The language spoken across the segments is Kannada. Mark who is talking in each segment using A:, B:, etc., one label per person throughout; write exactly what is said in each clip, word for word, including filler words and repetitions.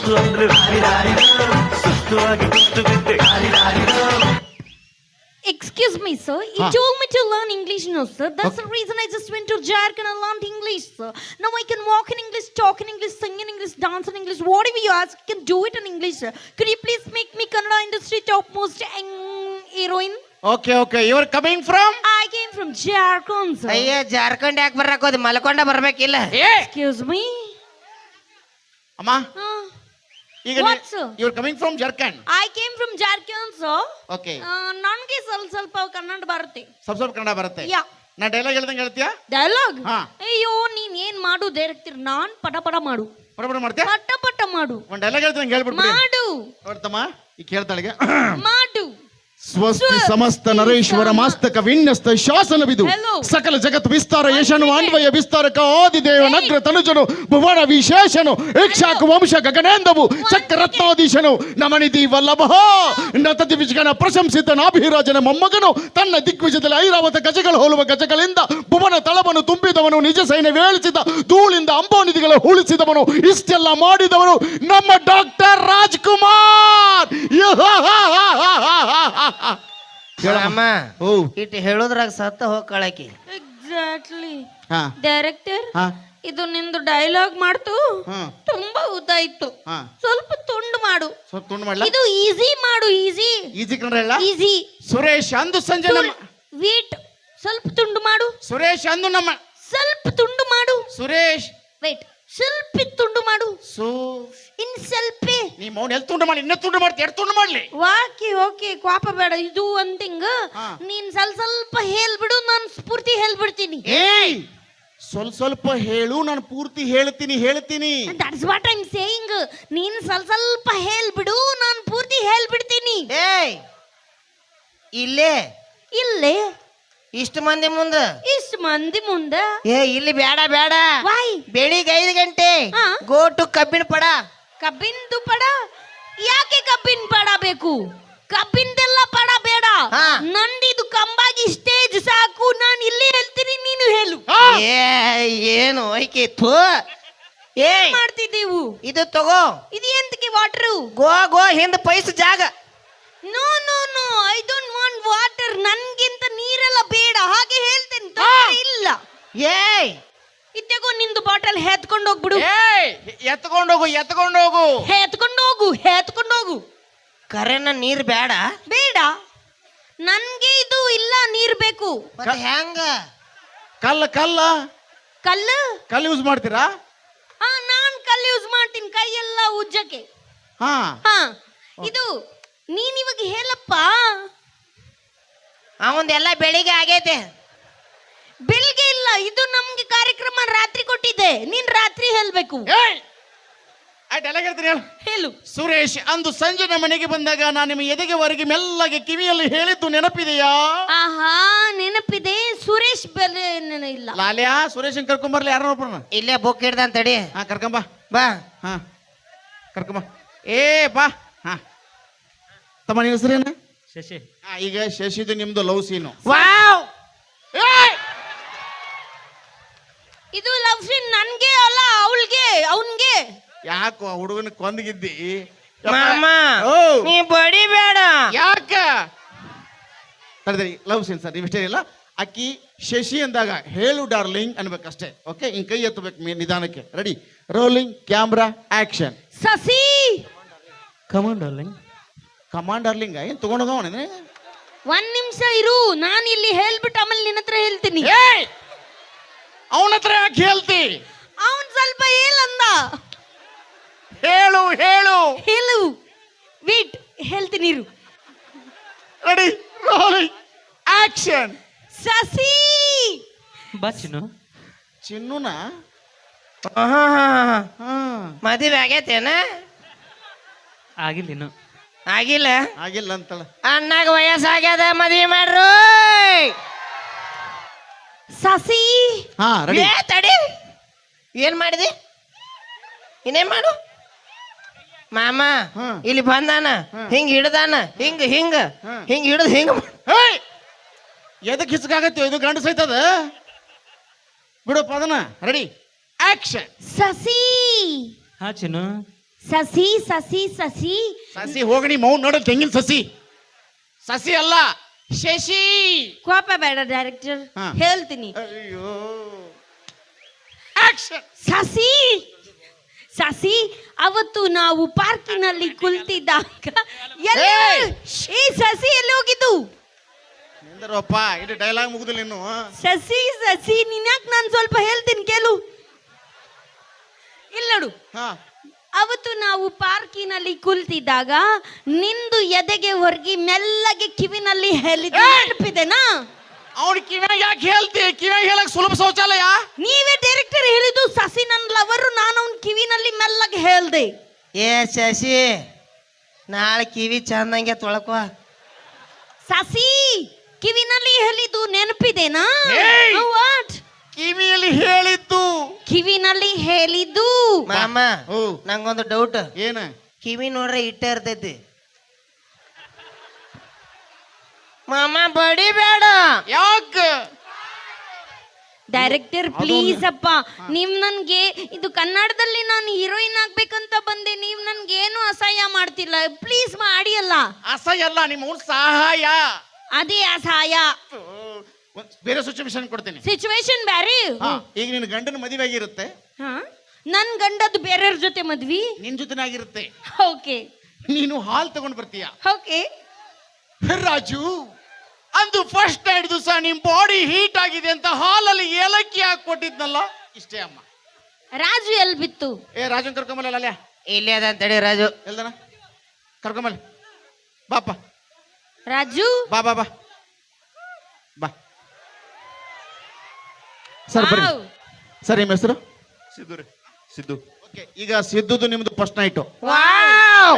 A: ಸುಸ್ತು ಅಂದ್ರೆ ಸುಸ್ತು ಆಗಿ ಕುತ್ತು ಬಿದ್ದೆ.
B: Excuse me, sir. You
C: Huh?
B: told me to learn English, no, sir. That's
C: Okay.
B: the reason I just went to Jharkhand and learned English, sir. Now I can walk in English, talk in English, sing in English, dance in English. Whatever you ask, I can do it in English, sir. Could you please make me Kannada industry topmost eng- heroine?
C: Okay okay you are coming from
B: I came from Jharkhand, sir.
D: ಅಯ್ಯ ಜಾರ್ಖಂಡ್ ಯಾಕೆ ಬರಕ್ ಹೋದ್ ಮಲ್ಕೊಂಡ ಬರ್ಬೇಕಿಲ್ಲ.
B: Excuse me.
C: ಅಮ್ಮ
B: Huh?
C: ಈಗ
B: What, sir?
C: You are coming from Jharkhand.
B: I came from Jharkhand, sir.
C: Okay
B: ನನಗೆ ಸ್ವಲ್ಪ ಸ್ವಲ್ಪ ಕನ್ನಡ ಬರುತ್ತೆ.
C: ಸ್ವಲ್ಪ ಸ್ವಲ್ಪ ಕನ್ನಡ ಬರುತ್ತೆ.
B: ಯಾ
C: ನಾ ಡೈಲಾಗ್ ಹೇಳ್ದಂಗೆ ಹೇಳ್ತೀಯಾ?
B: ಡೈಲಾಗ್
C: ಹಾ.
B: ಅಯ್ಯೋ ನೀನ್ ಏನ್ ಮಾಡು ಡೈರೆಕ್ಟರ್ ನಾನ್ ಪಟ ಪಟ ಮಾಡು
C: ಪಡ ಪಡ ಮಾಡ್ತೀಯಾ?
B: ಪಟ ಪಟ ಮಾಡು
C: ಒಂದು ಡೈಲಾಗ್ ಹೇಳ್ತೀನಿ ಹೇಳ್ಬಿಡ್ಬಿಡಿ.
B: ಮಾಡು
C: ನೋಡ್ತಮ್ಮ ಈ ಕೇಳ್ತಾಳಿಗೆ
B: ಮಾಡು
C: ಸ್ವಸ್ತಿ ಸಮಸ್ತ ನರೇಶ್ವರ ಮಾಸ್ತಕ ವಿನ್ಯಸ್ತ ಶಾಸನವಿದು
B: Hello.
C: ಸಕಲ ಜಗತ್ ವಿಸ್ತಾರ ಯಶನು ಅನ್ವಯ ವಿಸ್ತಾರಕ ಆದಿದೇವ ನಗ್ರ ತನುಜನು ಭುವನ ವಿಶೇಷನು ಇಕ್ಷಾಕ ವಂಶ ಗಗನೇಂದವು ಚಕ್ರರತ್ನಾಧೀಶನು ನಮನಿಧಿ ವಲ್ಲಭ ನತತಿ ವಿಜಗನ ಪ್ರಶಂಸಿತ ನಾಭಿರಾಜನ ಮೊಮ್ಮಗನು ತನ್ನ ದಿಗ್ವಿಜಯದಲ್ಲಿ ಐರಾವತ ಗಜಗಳು ಹೋಲುವ ಗಜಗಳಿಂದ ಭುವನ ತಳವನ್ನು ತುಂಬಿದವನು ನಿಜ ಸೈನ್ಯ ವೇಳಿಸಿದ ಧೂಳಿಂದ ಅಂಬೋನಿಧಿಗಳ ಉಳಿಸಿದವನು ಇಷ್ಟೆಲ್ಲ ಮಾಡಿದವನು ನಮ್ಮ ಡಾಕ್ಟರ್ ರಾಜ್ಕುಮಾರ್.
D: ಅಮ್ಮ
C: ಓ
D: ಇಟ್ಟು ಹೇಳೋದ್ರಾಗ ಸತ್ತ ಹೋಗ್ಕಳಕಿ.
B: ಎಕ್ಸಾಕ್ಟ್ಲಿ
C: ಹಾ
B: ಡೈರೆಕ್ಟರ್
C: ಹಾ
B: ಇದು ನಿಂದು ಡೈಲಾಗ್ ಮಾಡ್ತು
C: ಹಾ
B: ತುಂಬಾ ಉದ್ದ ಇತ್ತು
C: ಹಾ
B: ಸ್ವಲ್ಪ ತುಂಡು ಮಾಡು
C: ಸ್ವಲ್ಪ ತುಂಡು ಮಾಡ್ಲಾ?
B: ಇದು ಈಸಿ ಮಾಡು ಈಸಿ
C: ಈಜಿ ಕನ್ನಡ ಹೇಳ.
B: ಈಸಿ
C: ಸುರೇಶ್ ಅಂದು ಸಂಜೆ ನಮ್ಮ
B: ವೇಟ್ ಸ್ವಲ್ಪ ತುಂಡು ಮಾಡು
C: ಸುರೇಶ್ ಅಂದು ನಮ್ಮ
B: ಸ್ವಲ್ಪ ತುಂಡು ಮಾಡು
C: ಸುರೇಶ್
B: ವೇಟ್ ಸ್ವಲ್ಪ ತುಂಡು ಮಾಡು
C: ಸು
B: ಇನ್ ಸ್ವಲ್ಪೇ
C: ನೀ ಮೌನ ಎಲ್ಲಿ ತುಂಡು ಮಾಡಿ ಇನ್ನೂ ತುಂಡು ಮಾಡ್ತಿ ಎರಡು ತುಂಡು ಮಾಡ್ಲಿ.
B: ವಾಕಿ ಓಕೆ ಕ್ವಾಪ ಬೇಡ ಇದು ಒಂದಿಂಗ
C: ಹಾ.
B: ನೀನ್ ಸ್ವಲ್ಪ ಸ್ವಲ್ಪ ಹೇಳ್ಬಿಡು ನಾನು ಸ್ಫೂರ್ತಿ ಹೇಳ್ಬಿಡ್ತೀನಿ.
C: ಏಯ್ ಸ್ವಲ್ಪ ಸ್ವಲ್ಪ ಹೇಳು ನಾನು ಪೂರ್ತಿ ಹೇಳ್ತೀನಿ ಹೇಳ್ತೀನಿ.
B: That's what I am saying. ನೀನ್ ಸ್ವಲ್ಪ ಸ್ವಲ್ಪ ಹೇಳ್ಬಿಡು ನಾನು ಪೂರ್ತಿ ಹೇಳ್ಬಿಡ್ತೀನಿ.
D: ಏಯ್ ಇಲ್ಲೇ
B: ಇಲ್ಲೇ
D: ಇಷ್ಟು ಮಂದಿ ಮುಂದ
B: ಇಷ್ಟು ಮಂದಿ ಮುಂದ
D: ಏ ಇಲ್ಲಿ ಬೇಡ ಬೇಡ.
B: ವಾಯ್
D: ಬೆಳಿಗ್ಗೆ ಐದು ಗಂಟೆ
B: ಹಾ.
D: ಗೋ ಟು ಕಬ್ಬಿಣ ಪಡ.
B: ಕಬ್ಬಿಂದು ಪಡ ಯಾಕೆ ಕಬ್ಬಿನ ಪಡ ಬೇಕು? ಕಬ್ಬಿಂದೆಲ್ಲ ಪಡ ಬೇಡ.
D: ಹಾ.
B: ನಂದಿದು ಕಂಬಾಗಿ ಸ್ಟೇಜ್ ಸಾಕು. ನಾನು ಇಲ್ಲಿ ಹೇಳ್ತೀನಿ ನೀನು ಹೇಳು.
C: ಆ!
D: ಏ ಏನು ಐಕೆ ಥೂ. ಏಯ್
B: ಮಾಡ್ತಿದ್ದೀವು
D: ಇದು ತಗೋ
B: ಇದು ಎಂತಕ್ಕೆ ವಾಟರು?
D: ಗೋ ಗೋ ಹಿಂದ ಪೈಸ ಜಾಗ.
B: No no no I don't want water. ನನ್ಗಿಂತ ನೀರೆಲ್ಲ ಬೇಡ ಹಾಗೆ ಹೇಳ್ತೇನೆ. ತೊಂದ್ರೆ ಇಲ್ಲ.
D: ಏಯ್
B: ಇತ್ತೆಗೋ ನಿಂದು ಬಾಟಲ್ ಹೆತ್ಕೊಂಡು ಹೋಗ್ಬಿಡು.
C: ಏಯ್ ಎತ್ಕೊಂಡೋಗು ಎತ್ಕೊಂಡೋಗು.
B: ಹೆತ್ಕೊಂಡು ಹೋಗು ಹೆತ್ಕೊಂಡು ಹೋಗು.
D: ಕರೆನ ನೀರ್ ಬೇಡ.
B: ಬೇಡ ನನ್ಗೆ ಇದು ಇಲ್ಲ ನೀರ್ ಬೇಕು.
D: ಮತ್ತೆ ಹೆಂಗ?
C: ಕಲ್ಲ ಕಲ್ಲ
B: ಕಲ್ಲು
C: ಕಲ್ಲು ಯೂಸ್ ಮಾಡ್ತೀರಾ?
B: ಹಾ ನಾನ್ ಕಲ್ಲು ಯೂಸ್ ಮಾಡ್ತೀನಿ ಕೈ ಎಲ್ಲ ಉಜ್ಜಕ್ಕೆ.
C: ಹಾ
B: ಹಾ ಇದು ನೀನ್ ಇವಾಗ ಹೇಳಪ್ಪ.
D: ಅವಂದೆಲ್ಲ ಬೆಳಿಗ್ಗೆ ಆಗೈತೆ.
B: ಬೆಳಿಗ್ಗೆ ಇಲ್ಲ ಇದು ನಮ್ಗೆ ಕಾರ್ಯಕ್ರಮ ರಾತ್ರಿ ಕೊಟ್ಟಿದ್ದೆ. ನೀನ್ ರಾತ್ರಿ ಹೇಳ್ಬೇಕು.
C: ಏಯ್ ಆ ಡೈಲಾಗ್ ಹೇಳ್ತೀನಿ ಹೇಳು.
B: ಹೇಳು.
C: ಸುರೇಶ್ ಅಂದು ಸಂಜೆ ನಮ್ಮ ಮನೆಗೆ ಬಂದಾಗ ನಾನು ನಿಮ್ಮ ಎದೆಗೆ ಹೊರಗೆ ಮೆಲ್ಲಗೆ ಕಿವಿಯಲ್ಲಿ ಹೇಳಿದ್ದು ನೆನಪಿದೆಯಾ?
B: ಆಹಾ ನೆನಪಿದೆ. ಸುರೇಶ್ ಬೆಲೆ ಇಲ್ಲ.
C: ಲಾಲ್ಯಾ ಸುರೇಶನ್ ಕರ್ಕೊಂಬರ್ಲಿ ಯಾರ ಒಬ್ಬರನ್ನ.
D: ಇಲ್ಲೇ ಬುಕ್ ಹಿಡ್ದಂತ ತಡಿ.
C: ಹಾ ಕರ್ಕೊಂಬ
D: ಬಾ
C: ಹಾ ಕರ್ಕೊಂಬ. ಏ ಬಾ ಹಾ ತಮ್ಮ ನಿಮ್ಮ ಹೆಸರೇನ?
A: ಶಶಿ.
C: ಹಾ ಈಗ ಶಶಿದು ನಿಮ್ದು ಲವ್ ಸೀನು.
D: ವಾವ್
B: ಇದು ಲವ್ ಸೀನ್ ನನ್ಗೆ ಅಲ್ಲ ಅವಳಿಗೆ ಅವನ್ಗೆ.
C: ಯಾಕೋ ಹುಡುಗನ ಕೊಂದಗಿದ್ದಿ?
D: ಮಾಮ
C: ಓ
D: ನೀ ಬಡಿ ಬೇಡ.
C: ಯಾಕ ತಡೆದ್ರಿ ಲವ್ ಸೀನ್ ಸರ್ ನೀವು ಇಷ್ಟೇ ಇಲ್ಲ. ಅಕ್ಕಿ ಶಶಿ ಅಂದಾಗ ಹೇಳು ಡಾರ್ಲಿಂಗ್ ಅನ್ಬೇಕಷ್ಟೇ. ಓಕೆ ಹಿಂಗ್ ಕೈ ಎತ್ತಬೇಕು ಮೇ ನಿಧಾನಕ್ಕೆ. Ready rolling camera action.
B: Sasi
A: command darling.
C: Command darling ಏನ್ ತಗೊಂಡೋಗವಣ?
B: ಒಂದ್ ನಿಮಿಷ ಇರು. ನಾನು ಇಲ್ಲಿ ಹೇಳ್ಬಿಟ್ಟು ಆಮೇಲೆ ನಿನ್ನ ಹತ್ರ ಹೇಳ್ತೀನಿ.
C: ಅವನ ಹತ್ರ ಯಾಕೆ ಹೇಳ್ತಿ?
B: ಅವನ್ ಸ್ವಲ್ಪ ಹೇಳಂದ.
C: ಹೇಳು ಹೇಳು.
B: ಹೇಳು ವೇಟ್ ಹೇಳ್ತೀನಿ ಇರು.
C: Ready rolling action.
B: ಸಸಿ
A: ಬಾ ಚಿನ್ನು.
C: ಚಿನ್ನುನ ಹಾ
D: ಮದುವೆ ಆಗೈತೇನ?
A: ಆಗಿಲ್ಲ ಇನ್ನು.
D: ಆಗಿಲ್ಲ.
C: ಆಗಿಲ್ಲ ಅಂತಳ.
D: ಅಣ್ಣಾಗ ವಯಸ್ಸಾಗ್ಯದ ಮದ್ವಿ ಮಾಡ್ರು.
B: ಸಸಿ
C: ಹಾ ರೆಡಿ.
D: ಏ ತಡಿ ಏನ್ ಮಾಡಿದಿ? ಇನ್ನೇನ್ ಮಾಡು ಮಾಮ.
C: ಹ್ಮ್.
D: ಇಲ್ಲಿ ಬಂದಾನ ಹಿಂಗ್ ಹಿಡ್ದಾನ ಹಿಂಗ್ ಹಿಂಗ
C: ಹ್ಮ್.
D: ಹಿಂಗ್ ಹಿಡ್ದು ಹಿಂಗ
C: ಹೇಯ್ ಎದಕ್ಕೆ ಹಿಸ್ಕಾಗತ್ತೆ ಇದು ಗಂಡು ಸೈತದ ಬಿಡು ಪದನ. Ready action.
B: ಸಸಿ
A: ಹಾ ಚಿನ್ನು.
B: ಸಸಿ ಸಸಿ ಸಸಿ
C: ಸಸಿ ಹೋಗಣಿ ಮೌನ್ ನೋಡ ತೆಂಗಿನ ಸಸಿ ಸಸಿ ಅಲ್ಲ ಶಶಿ.
B: ಕೋಪ ಬೇಡ ಡೈರೆಕ್ಟರ್,
C: ಹಾ.
B: ಹೇಳ್ತೀನಿ.
C: ಅಯ್ಯೋ
B: ಸಸಿ ಸಸಿ ಅವತ್ತು ನಾವು ಪಾರ್ಕಿನಲ್ಲಿ ಕುಳಿತಿದ್ದಾಗ ಎಲ್ಲಿ
C: ಏಯ್!
B: ಈ ಸಸಿ ಎಲ್ಲಿ ಹೋಗಿದ್ದು?
C: ನಿಂದರಪ್ಪ ಇದು ಡೈಲಾಗ್ ಮುಗಿದಿಲ್ಲ ಇನ್ನು.
B: ಸಸಿ ಸಸಿ ನಿನ್ಯಾಕ್ ನಾನು ಸ್ವಲ್ಪ ಹೇಳ್ತೀನಿ ಕೇಳು. ಇಲ್ಲ ನೋಡು,
C: ಹಾ
B: ಅವತ್ತು ನಾವು ಪಾರ್ಕಿನಲ್ಲಿ ಕುಳಿತಿದ್ದಾಗ ನಿಂದು ಎದೆಗೆ ಹೊರಗಿ ಮೆಲ್ಲಗೆ ಕಿವಿನಲ್ಲಿ ಹೇಳಿದ ನೆನಪಿದೆನಾ?
C: ಅವ್ನ ಕಿವ್ಯಾಗ ಯಾಕೆ ಹೇಳ್ತಿ? ಕಿವ್ಯಾಗ ಹೇಳಕ್ ಸುಲಭ ಶೌಚಾಲಯ.
B: ನೀವೇ ಡೈರೆಕ್ಟರ್ ಹೇಳಿದ್ದು ಸಸಿ ನನ್ನ ಲವರು, ನಾನು ಅವನ ಕಿವಿನಲ್ಲಿ ಮೆಲ್ಲಗೆ ಹೇಳ್ದೆ.
D: ಏ ಶಶಿ, ನಾಳೆ ಕಿವಿ ಚಂದಂಗೆ ತೊಳ್ಕೊ.
B: ಸಸಿ ಕಿವಿನಲ್ಲಿ ಹೇಳಿದ್ದು ನೆನಪಿದೆನಾ?
C: ಏಯ್!
B: ವಾಟ್?
C: ಕಿವಿಯಲ್ಲಿ ಹೇಳಿದ್ದು.
B: ಕಿವಿನಲ್ಲಿ ಹೇಳಿದ್ದು.
D: ಮಾಮ
C: ಓ
D: ನಂಗೊಂದು ಡೌಟ್.
C: ಏನ?
D: ಕಿವಿ ನೋಡ್ರೆ ಇಟ್ಟ ಇರ್ತೈತಿ. ಮಾಮ ಬಡಿಬೇಡ.
C: ಯಾಕ?
B: ಡೈರೆಕ್ಟರ್ ಪ್ಲೀಸ್ ಅಪ್ಪ, ನೀವ್ ನನ್ಗೆ ಇದು ಕನ್ನಡದಲ್ಲಿ ನಾನು ಹೀರೋಯಿನ್ ಆಗ್ಬೇಕಂತ ಬಂದೆ, ನೀವ್ ನನ್ಗೆ ಏನು ಅಸಹ್ಯ ಮಾಡ್ತಿಲ್ಲ. ಪ್ಲೀಸ್ ಮಾಡಿ ಅಲ್ಲ.
C: ಅಸಹ್ಯ ಅಲ್ಲ, ನಿಮ್ಮ ಅವ್ನ ಸಹಾಯ.
B: ಅದೇ ಅಸಹಾಯ.
C: ಒಂದ್ ಬೇರೆ ಸಿಚುವೇಶನ್ ಕೊಡ್ತೀನಿ.
B: ಸಿಚುವೇಶನ್ ಬ್ಯಾರೆ.
C: ಹಾ, ಈಗ ನಿನ್ನ ಗಂಡನ ಮದುವೆ ಆಗಿರುತ್ತೆ,
B: ಹಾ, ನನ್ ಗಂಡದ್ದು ಬೇರೆಯವ್ರ ಜೊತೆ ಮದ್ವಿ.
C: ನಿನ್ ಜೊತೆನಾಗಿರುತ್ತೆ.
B: ಓಕೆ
C: ನೀನು ಹಾಲ್ ತಗೊಂಡ್ ಬರ್ತೀಯ.
B: ಓಕೆ
C: ರಾಜು, ಅಂದು ಫಸ್ಟ್ ನೈಟ್ ದಿವಸ ನಿಮ್ ಬಾಡಿ ಹೀಟ್ ಆಗಿದೆ ಅಂತ ಹಾಲಲ್ಲಿ ಏಲಕ್ಕಿ ಹಾಕಿ ಕೊಟ್ಟಿದ್ನಲ್ಲ, ಇಷ್ಟೇ ಅಮ್ಮ.
B: ರಾಜು ಎಲ್ ಬಿತ್ತು?
C: ಏ ರಾಜನ್ ಕರ್ಕೊಂಬಲ್ಲ ಅಲ್ಲೇ
D: ಇಲ್ಲೇ ಅದ ಅಂತೇಳಿ ರಾಜು.
C: ಎಲ್ದನ ಕರ್ಕೊಂಬಲ್ಲ. ಬಾಪ
B: ರಾಜು
C: ಬಾ ಬಾ ಬಾ ಬಾ. ಸರ್ ಬರ್ರಿ.
B: ವಾವ್.
C: ಸರ್ ನಿಮ್ಮ ಹೆಸರು?
A: ಸಿದ್ದು ರೀ ಸಿದ್ದು.
C: ಓಕೆ, ಈಗ ಸಿದ್ದುದು ನಿಮ್ದು ಫಸ್ಟ್ ನೈಟು.
D: ವಾವ್.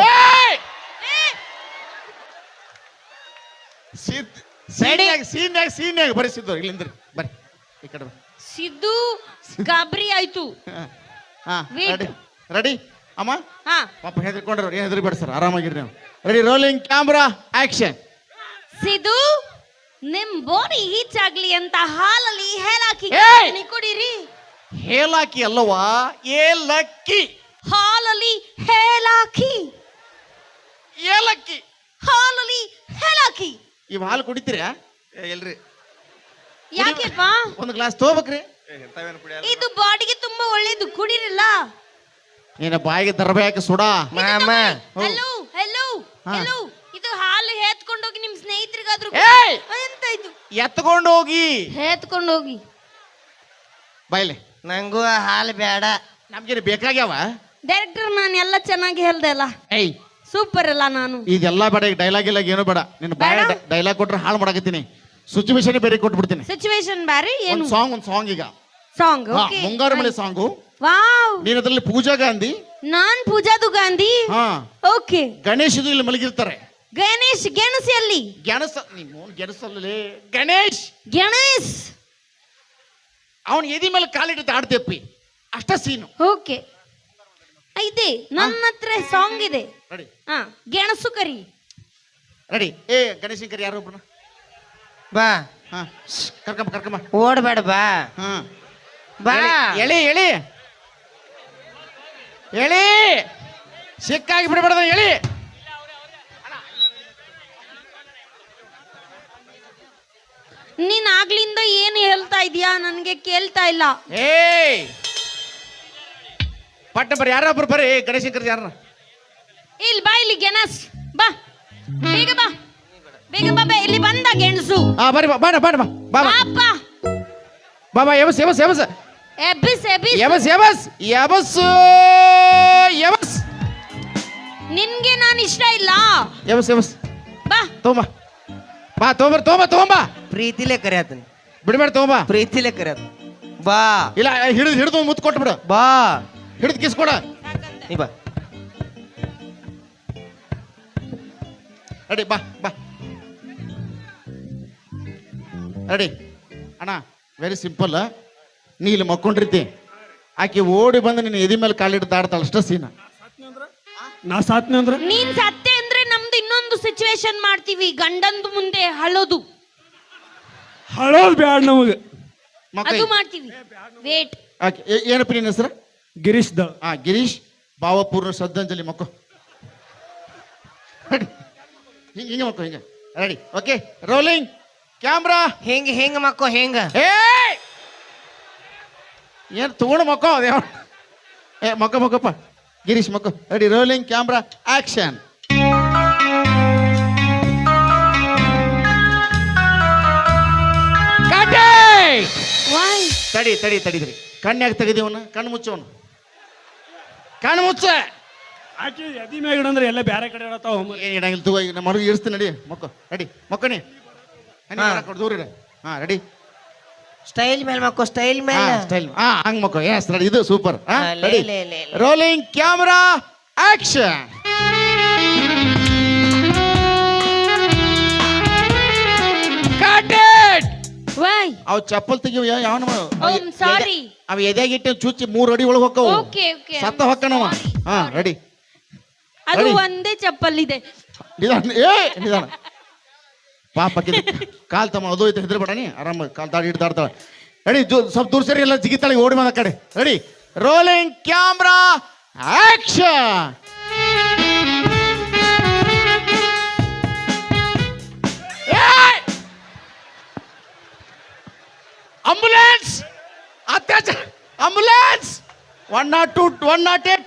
C: ಸಿದ್ ಸೀನ್ಯಾಗ ಸೀನ್ಯಾಗ ಸೀನ್ಯಾಗ ಬರ್ರಿ ಸಿದ್ದು, ಇಲ್ಲಿಂದ್ರಿ ಬರ್ರಿ ಈ ಕಡೆ ಬರ್ರಿ.
B: ಸಿದ್ದು ಗಾಬರಿ ಆಯ್ತು.
C: ಹಾ
B: Wait.
C: ರೆಡಿ ರೆಡಿ ಅಮ್ಮ.
B: ಹಾ,
C: ಪಾಪ ಹೆದರ್ಕೊಂಡ್ರು, ಏನು ಹೆದರ್ಬೇಡ ಸರ್, ಆರಾಮಾಗಿರಿ ನೀವು. Ready, rolling camera action.
B: Siddu ನಿಮ್ ಬೋಡಿ ಹೀಚ್ ಆಗ್ಲಿ ಅಂತ ಹಾಲಲ್ಲಿ ಹೇಳಾಕಿ
C: ಏಯ್!
B: ಕುಡೀರಿ.
C: ಹೇಲಾಕಿ ಅಲ್ಲವಾ, ಏಲಕ್ಕಿ.
B: ಹಾಲಲ್ಲಿ ಹೇಳಾಕಿ,
C: ಏಲಕ್ಕಿ.
B: ಹಾಲಲ್ಲಿ ಹೇಳಾಕಿ.
C: ಇವ್ ಹಾಲು ಕುಡಿತೀರಾ?
A: ಏ ಎಲ್ರಿ
B: ಯಾಕೆಪ್ಪ?
C: ಒಂದು ಗ್ಲಾಸ್ ತಗೋಬೇಕ್ರಿ.
A: ಏ ಎಂತವೇನು ಕುಡಿಯಲ್ಲ.
B: ಇದು ಬಾಡಿಗೆ ತುಂಬಾ ಒಳ್ಳೇದು, ಕುಡೀರಲ್ಲ.
C: ಏನ ಬಾಯಿಗೆ ದರ್ಬೇಕ ಸುಡಾ.
D: ಮಾಮ
B: ಹಲೋ ಹಲೋ
C: ಹಾ.
B: ಹಲೋ, ಇದು ಹಾಲು ಹೇತ್ಕೊಂಡೋಗಿ ನಿಮ್ ಸ್ನೇಹಿತರಿಗಾದ್ರು
C: ಏಯ್!
B: ಎಂತ ಇದು?
C: ಎತ್ಕೊಂಡು ಹೋಗಿ
B: ಹೇತ್ಕೊಂಡೋಗಿ.
C: ಬಾಯ್ಲೆ.
D: ನಂಗೂ ಹಾಲು ಬೇಡ.
C: ನಮ್ಗೇನು ಬೇಕಾಗ್ಯಾವ?
B: ಡೈರೆಕ್ಟರ್ ನಾನು ಎಲ್ಲ ಚೆನ್ನಾಗಿ ಹೇಳ್ದೆ ಅಲ್ಲ,
C: ಏಯ್
B: ಸೂಪರ್ ಅಲ್ಲ ನಾನು?
C: ಇದೆಲ್ಲ ಬೇಡ, ಈಗ ಡೈಲಾಗ್ ಇಲ್ಲ ಏನು ಬೇಡ. ನಿನ್ನ ಬಾಯ
B: ಬೇಡ?
C: ಡೈಲಾಗ್ ಕೊಟ್ರೆ ಹಾಳು ಮಾಡಕತ್ತೀನಿ. ಸಿಚುವೇಶನ್ ಬೇರೆ ಕೊಟ್ಬಿಡ್ತೀನಿ.
B: ಸಿಚುವೇಶನ್ ಬ್ಯಾರೆ ಏನು?
C: ಒಂದು ಸಾಂಗ್ ಒಂದು ಸಾಂಗ್ ಈಗ.
B: ಸಾಂಗ್.
C: ಹಾ,
B: ಓಕೆ,
C: ಮುಂಗಾರು ಮಳೆ ಸಾಂಗು.
B: ವಾವ್.
C: ನೀನ್ ಅದ್ರಲ್ಲಿ ಪೂಜಾ ಗಾಂಧಿ,
B: ನಾನ್ ಪೂಜಾದು ಗಾಂಧಿ.
C: ಹಾ,
B: ಓಕೆ.
C: ಗಣೇಶದು ಇಲ್ಲಿ ಮಲಗಿರ್ತಾರೆ.
B: ಗಣೇಶ್ ಗೆಣಸಿ ಅಲ್ಲಿ.
C: ಗೆಣಸ ನಿಮ್ಮ ಗೆಣಸಲ್ಲೇ ಗಣೇಶ್
B: ಗಣೇಶ್
C: ಅವನ್ ಎದಿ ಮೇಲೆ ಕಾಲಿಟ್ಟು ಆಡ್ತೇಪ್ಪಿ, ಅಷ್ಟ ಸೀನು.
B: ಓಕೆ, ಇದೆ ನನ್ನ ಹತ್ರ ಸಾಂಗ್ ಇದೆ.
C: ರೆಡಿ
B: ಹಾ, ಗೆಣಸು ಕರಿ.
C: ರೆಡಿ. ಏ ಗಣೇಶನ್ ಕರಿ ಯಾರು ಒಬ್ರನ್ನ.
D: ಬಾ,
C: ಹಾ ಕರ್ಕಂಬ ಕರ್ಕಂಬ.
D: ಓಡ್ಬೇಡ ಬಾ.
C: ಹಾ
D: ಬಾ.
C: ಎಳಿ ಎಳಿ ಎಳಿ, ಸಿಕ್ಕಾಗಿ ಬಿಡಬಾರ್ದ, ಎಳಿ.
B: ನೀನ್ ಆಗ್ಲಿಂದ ಏನು ಹೇಳ್ತಾ ಇದೀಯಾ ನನ್ಗೆ ಕೇಳ್ತಾ ಇಲ್ಲ.
C: ಏಯ್ ಪಟ್ಟ ಬರ್ರಿ, ಯಾರೊಬ್ರು ಬರ್ರಿ. ಗಣೇಶನ್ ಕರಿ ಯಾರ?
B: ಇಲ್ಲಿ ಬಾ, ಇಲ್ಲಿ ಗೆಣಸ್ ಬಾ, ಬೇಗ ಬಾ, ಬೇಗ ಬಾ, ಬಾ, ಇಲ್ಲಿ ಬಂದ ಗೆಣಸು.
C: ಹಾ ಬರ್ರಿ, ಬಾ ಬಾಡ ಬಾಡ ಬಾ ಬಾ ಬಾ
B: ಪಾಪ
C: ಬಾ ಬಾ. ಎಬಸ್ ಎಬಸ್ ಎಬಸ್
B: ಎಬ್ಬಿಸ್ ಎಬ್ಬಿಸ್.
C: ಎಬಸ್ ಎಬಸ್ ಎಬಸ್ ಎಬಸ್.
B: ನಿನ್ಗೆ ನಾನು ಇಷ್ಟ ಇಲ್ಲ.
C: ಎಬಸ್ ಎಬಸ್.
B: ಬಾ
C: ತಗೊಂಬ ಬಾ, ತಗೊಂಬರ್ ತಗೊಂಬ ತಗೊಂಬ.
D: ಪ್ರೀತಿಲೇ ಕರೆಯತನ,
C: ಬಿಡ್ಬೇಡ, ತಗೊಂಬ.
D: ಪ್ರೀತಿಲೇ ಕರೆಯತ. ಬಾ
C: ಇಲ್ಲ, ಹಿಡಿದು ಹಿಡಿದು ಮುತ್ತು ಕೊಟ್ಬಿಡು.
D: ಬಾ.
C: ಹಿಡಿದು ಕಿಸ್ ಕೊಡ.
D: ನೀ ಬಾ.
C: ರೆಡಿ, ಬಾ ಬಾ. ರೆಡಿ ಅಣ್ಣ, ವೆರಿ ಸಿಂಪಲ್. ನೀ ಇಲ್ಲಿ ಮಕ್ಕೊಂಡಿರ್ತಿ, ಆಕೆ ಓಡಿ ಬಂದು ನಿನ್ನ ಎದಿ ಮೇಲೆ ಕಾಲಿಟ್ಟು ಆಡ್ತಾಳ, ಅಷ್ಟ ಸೀನ.
E: ನಾ ಸಾತ್ನೆ ಅಂದ್ರೆ
B: ನೀನ್ ಸತ್ತೆ ಅಂದ್ರೆ ನಮ್ದು ಇನ್ನೊಂದು ಸಿಚುವೇಶನ್ ಮಾಡ್ತೀವಿ, ಗಂಡಂದು ಮುಂದೆ ಹಳೋದು,
E: ಹಳೋದ್ ಬ್ಯಾಡ ನಮಗೆ.
C: ಮಕ್ಕಳ
B: ಅದು ಮಾಡ್ತೀವಿ. ವೇಟ್.
C: ಆಕೆ ಏನಪ್ಪ ನಿನ್ನ ಹೆಸರು?
E: ಗಿರೀಶ್ ದ
C: ಹಾ, ಗಿರೀಶ್. ಭಾವಪೂರ್ಣ ಶ್ರದ್ಧಾಂಜಲಿ ಮಕ್ಕೋ ಹಿಂಗೆ ಹಿಂಗೆ ಮಕ್ಕೋ ಹಿಂಗೆ ರೆಡಿ ಓಕೆ ರೋಲಿಂಗ್ ಕ್ಯಾಮ್ರಾ
D: ಹೆಂಗ ಹೆಂಗ ಮಕ್ಕೋ ಹೆಂಗ
C: ಏ ಏನು ತಗೊಂಡು ಮಕ್ಕೋ ಅದೇ ಏ ಮಕ್ಕ ಮಕ್ಕಪ್ಪ ಗಿರೀಶ್ ಮಕ್ಕೋ ready rolling camera action
B: Why?
C: ತಡಿ ತಡಿ ತಡಿದ್ರಿ ಕಣ್ಣಾಗ ತೆಗೆದಿವನ ಕಣ್ಣು ಮುಚ್ಚವನು ಕಣ್ಣು ಮುಚ್ಚ
E: ಆಕೆ ಎದಿ ಮ್ಯಾಗ ಇಡಂದ್ರೆ ಎಲ್ಲ ಬೇರೆ ಕಡೆ ಇಡತ್ತಾವ
C: ಏನು ಇಡಂಗಿಲ್ಲ ತಗೋ ಈಗ ನಮ್ಮ ಮರುಗಿ ಇಳಿಸ್ತೀನಿ ನಡಿ ಮಕ್ಕೋ ರೆಡಿ ಮಕ್ಕನಿ ದೂರ ಇಡ ಹಾಂ ರೆಡಿ
D: ಸ್ಟೈಲ್ ಮೇಲೆ ಮಕ್ಕೋ ಸ್ಟೈಲ್
C: ಹಾ
D: ಮೇಲೆ
C: ಸ್ಟೈಲ್ ಹಾ ಹಂಗ್ ಮಕ್ಕೋ ಎಸ್ ರೆಡಿ ಇದು ಸೂಪರ್
D: ಹಾ, ಲೇ,
C: ರೆಡಿ
D: ಲೇ, ಲೇ, ಲೇ.
C: Rolling camera action
B: Why?
C: ಅವ್ ಚಪ್ಪಲ್ ತೆಗಿವ ಯಾವನ
B: Oh, sorry.
C: ಅವ ಎದೆಗಿಟ್ಟು ಚುಚ್ಚಿ ಮೂರ್ ಅಡಿ ಒಳಗೆ ಹೊಕ್ಕವು
B: Okay, okay. I'm
C: ಸತ್ತ ಹೊಕ್ಕನವ
B: sorry,
C: ಹಾ
B: sorry.
C: ರೆಡಿ
B: ಅದು
C: Ready?
B: ಒಂದೇ ಚಪ್ಪಲ್ ಇದೆ.
C: ನಿಧಾನ ಏ ನಿಧಾನ ಪಾಪ ಕಾಲ್ ತಮ್ಮ ಅದು ಐತೆ ಹೆದರ್ಬೇಡ ನೀ ಆರಾಮ ಕಾಲ್ ದಾಡಿ ಹಿಡ್ದು ಆಡ್ತಾಳ ರೆಡಿ ಸ್ವಲ್ಪ ದೂರ ಸರಿ ಎಲ್ಲ ಜಿಗಿತಾಳೆ ಓಡಿ ಬಂದ ಕಡೆ ready rolling camera action ambulance ಅತ್ಯಾಚಾರ ambulance one nought two one nought eight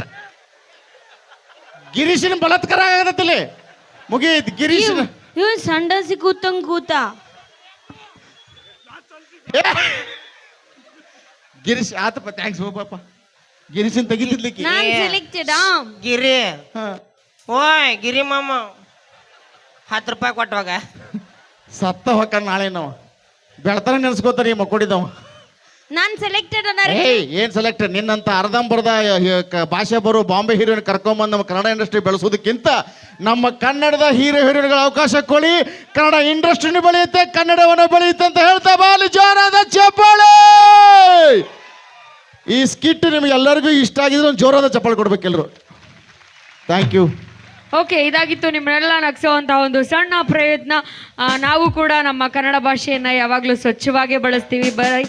C: ಗಿರೀಶಿನ ಬಲಾತ್ಕಾರ ಆಗತ್ತಲ್ಲಿ ಮುಗೀತ್ ಗಿರೀಶಿನ
B: ಇವ್ ಸಂಡಸಿ ಕೂತಂಗ್ ಕೂತ.
C: ಏ! ಗಿರೀಶ್ ಆತಪ್ಪ ಥ್ಯಾಂಕ್ಸ್ ಪಾಪ ಗಿರೀಶನ್ ತೆಗಿತಿದ್ಲಿಕ್ಕೆ
B: ನಾನ್
D: ಏ.
B: ಸೆಲೆಕ್ಟೆಡ್
D: ಗಿರಿ
C: ಹಾ.
D: ಓಯ್ ಗಿರಿ ಮಾಮ ಹತ್ತು ರೂಪಾಯಿ ಕೊಟ್ಟವಾಗ
C: ಸತ್ತ ಹೊಕ್ಕ ನಾಳೆ ನಾವು ಬೆಳತನ ನೆನ್ಸ್ಕೋತಾರ ಈ ಮಕ್ಕೊಡಿದವ
B: ನಾನ್ ಸೆಲೆಕ್ಟೆಡ್ ಅನ್ನ
C: ಏಯ್ ಏನ್ ಸೆಲೆಕ್ಟೆಡ್ ನಿನ್ನಂತ ಅರ್ಧಂಬರ್ಧ ಭಾಷೆ ಬರೋ ಬಾಂಬೆ ಹೀರೋಯಿನ್ ಕರ್ಕೊಂಬಂದು ನಮ್ಮ ಕನ್ನಡ ಇಂಡಸ್ಟ್ರಿ ಬೆಳೆಸೋದಕ್ಕಿಂತ ನಮ್ಮ ಕನ್ನಡದ ಹೀರೋ ಹೀರೋಯಿನ್ಗಳ ಅವಕಾಶ ಕೊಡಿ ಕನ್ನಡ ಇಂಡಸ್ಟ್ರಿನೂ ಬೆಳೆಯುತ್ತೆ ಕನ್ನಡವನ್ನು ಬೆಳೆಯುತ್ತೆ ಅಂತ ಹೇಳ್ತಾ ಬಾಲಿ ಜೋರಾದ ಚಪ್ಪಾಳೆ ಈ ಸ್ಕಿಟ್ ನಿಮ್ಗೆ ಎಲ್ಲರಿಗೂ ಇಷ್ಟ ಆಗಿದ್ರೆ ಒಂದು ಜೋರಾದ ಚಪ್ಪಾಳೆ ಕೊಡ್ಬೇಕೆಲ್ಲರೂ ಥ್ಯಾಂಕ್ ಯು
F: ಓಕೆ ಇದಾಗಿತ್ತು ನಿಮ್ಮನ್ನೆಲ್ಲ ನಗಿಸುವಂಥ ಒಂದು ಸಣ್ಣ ಪ್ರಯತ್ನ ಆ, ನಾವು ಕೂಡ ನಮ್ಮ ಕನ್ನಡ ಭಾಷೆಯನ್ನು ಯಾವಾಗಲೂ ಸ್ವಚ್ಛವಾಗೇ ಬಳಸ್ತೀವಿ ಬರೀ